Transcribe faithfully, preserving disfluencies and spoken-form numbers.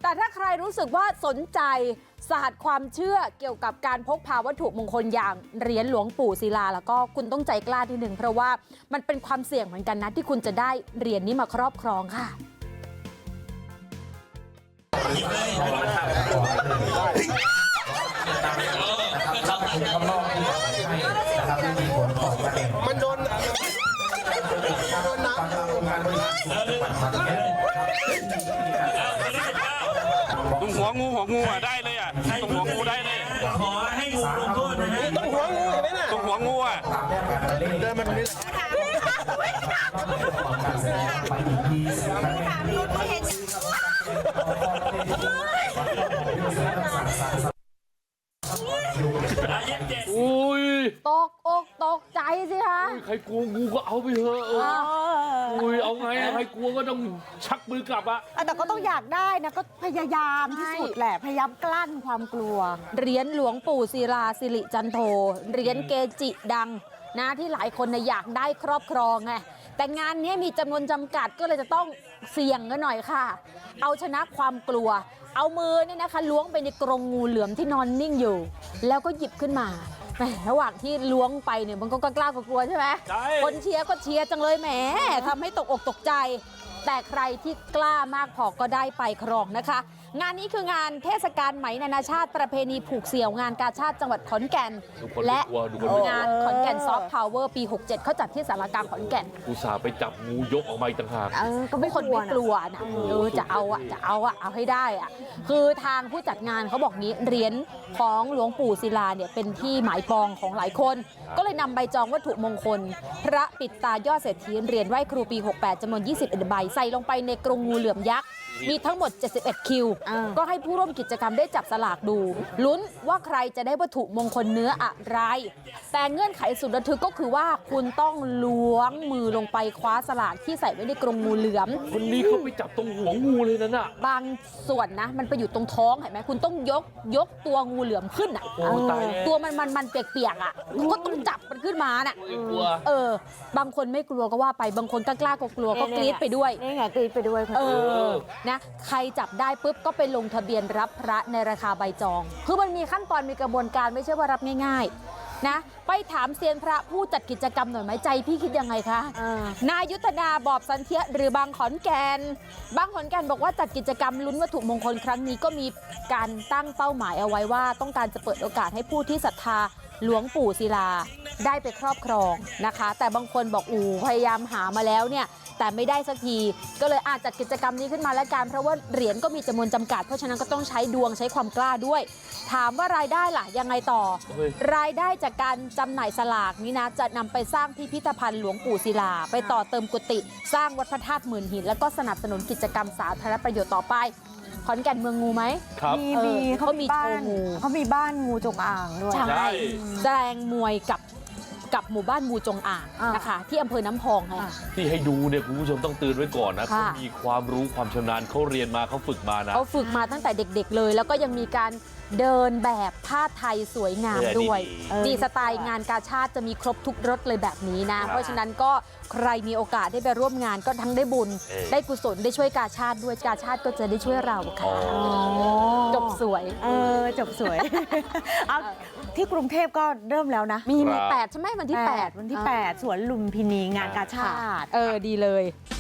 แต่ถ้าใครรู้สึกว่าสนใจศาสตร์ความเชื่อเกี่ยวกับการพกพาวัตถุมงคลอย่างเหรียญหลวงปู่ศิลาแล้วก็คุณต้องใจกล้าทีหนึ่งเพราะว่ามันเป็นความเสี่ยงเหมือนกันนะที่คุณจะได้เหรียญนี้มาครอบครองค่ะมันโดนโดนน้ำตรงหัวงูหัวงูอ่ะได้เลยอ่ะตรงหัวงูได้เลยขอให้งูลงโทษนะฮะต้องหัวงูเห็นไหมน่ะตรงหัวงูอ่ะเดินมาตรงนี้อุ้ยตกอกตกใจสิคะใครกลัวงูก็เอาไปเถอะเอออุ้ยเอาไงใครกลัวก็ต้องชักมือกลับอะแต่ก็ต้องอยากได้นะก็พยายามที่สุดแหละพยายามกลั้นความกลัวเหรียญหลวงปู่ศิลาสิริจันโทเหรียญเกจิดังนะที่หลายคนนะอยากได้ครอบครองไงแต่งานนี้มีจำนวนจำกัดก็เลยจะต้องเสี่ยงกันหน่อยค่ะเอาชนะความกลัวเอามือเนี่ยนะคะล้วงไปในกรงงูเหลือมที่นอนนิ่งอยู่แล้วก็หยิบขึ้นมาแหมระหว่างที่ล้วงไปเนี่ยมันก็กล้ากลัวใช่ไหมคนเชียร์ก็เชียร์จังเลยแหมทำให้ตกอกตกใจแต่ใครที่กล้ามากพอก็ได้ไปครองนะคะงานนี้คืองานเทศกาลไหมนานาชาติประเพณีผูกเสี่ยวงานกาชาติจังหวัดขอนแก่นและงานขอนแก่นซอฟต์พาวเวอร์ปีหกเจ็ดเขาจัดที่สารกลางขอนแก่นอุตส่าห์ไปจับงูยกออกมาอีกต่างหากเออก็ไม่คนไม่กลัวนะเออจะเอาอะจะเอาอะเอาให้ได้อะคือทางผู้จัดงานเขาบอกนี้เหรียญของหลวงปู่ศิลาเนี่ยเป็นที่หมายปองของหลายคนก็เลยนำใบจองวัตถุมงคลพระปิดตายอดเศรษฐีเหรียญไหว้ครูปีหกแปดจำนวนยี่สิบเอ็ดใบใส่ลงไปในกรงงูเหลือมยักษ์มีทั้งหมดเจ็ดสิบเอ็ดคิวก็ให้ผู้ร่วมกิจกรรมได้จับสลากดูลุ้นว่าใครจะได้วัตถุมงคลเนื้ออะไรแต่เงื่อนไขสุดระทึกก็คือว่าคุณต้องล้วงมือลงไปคว้าสลากที่ใส่ไว้ในกรงงูเหลือมคนนี้เขาไปจับตรงหัวงูเลยนั่นน่ะบางส่วนนะมันไปอยู่ตรงท้องเห็นไหมคุณต้องยกยกตัวงูเหลือมขึ้นอ่ะตัวมันมันมันเปียกๆอ่ะก็ต้องจับมันขึ้นมาน่ะเออบางคนไม่กลัวก็ว่าไปบางคนกล้ากลัวก็กรี๊ดไปด้วยนี่ไงกรี๊ดไปด้วยเออนะใครจับได้ปุ๊บก็ไปลงทะเบียนรับพระในราคาใบจองคือมันมีขั้นตอนมีกระบวนการไม่ใช่ว่ารับง่ายๆนะไปถามเซียนพระผู้จัดกิจกรรมหน่อยไหมใจพี่คิดยังไงคะนายุทธนาบอบสันเทียหรือบางขอนแก่นบางขอนแก่นบอกว่าจัดกิจกรรมลุ้นวัตถุมงคลครั้งนี้ก็มีการตั้งเป้าหมายเอาไว้ว่าต้องการจะเปิดโอกาสให้ผู้ที่ศรัทธาหลวงปู่ศิลาได้ไปครอบครองนะคะแต่บางคนบอกอู๋พยายามหามาแล้วเนี่ยแต่ไม่ได้สักทีก็เลยอาจจัดกิจกรรมนี้ขึ้นมาแล้วกันเพราะว่าเหรียญก็มีจำนวนจำกัดเพราะฉะนั้นก็ต้องใช้ดวงใช้ความกล้าด้วยถามว่ารายได้ล่ะยังไงต่อรายได้จากการจำหน่ายสลากนี้นะจะนำไปสร้างพิพิธภัณฑ์หลวงปู่ศิลาไปต่อเติมกุฏิสร้างวัดพระธาตุหมื่นหินแล้วก็สนับสนุนกิจกรรมสาธารณประโยชน์ต่อไปขอนแก่นเมืองงูไหมมีมีเขามีบ้านเขามีบ้านงูจงอางด้วยใช่แสดงมวยกับกับหมู่บ้านงูจงอ่างนะคะที่อำเภอน้ำพองค่ะที่ให้ดูเนี่ยคุณผู้ชมต้องเตือนไว้ก่อนนะเขามีความรู้ความชำนาญเขาเรียนมาเขาฝึกมานะเขาฝึกมาตั้งแต่เด็กๆเลยแล้วก็ยังมีการเดินแบบผ้าไทยสวยงามด้วยนี่สไตล์งานกาชาติจะมีครบทุกรสเลยแบบนี้นะเพราะฉะนั้นก็ใครมีโอกาสได้ไปร่วมงานก็ทั้งได้บุญได้กุศลได้ช่วยกาชาติด้วยกาชาติก็จะได้ช่วยเราค่ะจบสวยเออจบสวยเอาที่กรุงเทพก็เริ่มแล้วนะมีมีแปดใช่ไหมวันที่แปดวันที่แปดสวนลุมพินีงานกาชาติเออดีเลย